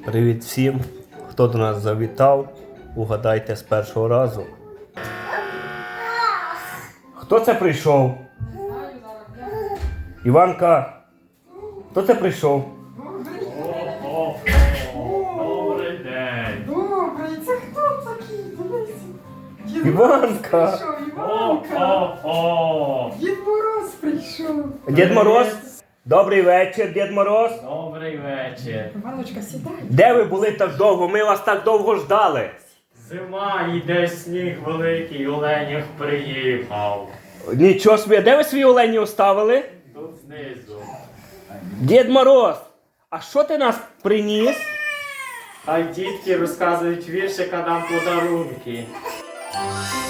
Привіт всім, хто до нас завітав, угадайте з першого разу. Хто це прийшов? Іванка, хто це прийшов? Добрий день. Добрий, це хто такий? Дивись. Іванка. Прийшов, Іванка. Дід Мороз прийшов. Дід Мороз? Добрий вечір, Дід Мороз. Добрий вечір. Іваночка, сідай. Де ви були так довго? Ми вас так довго ждали. Зима, йде сніг великий, Оленях приїхав. Нічого собі, де ви свої олені оставили? Тут знизу. Дід Мороз, а що ти нас приніс? Хай дітки розказують віршика, нам подарунки.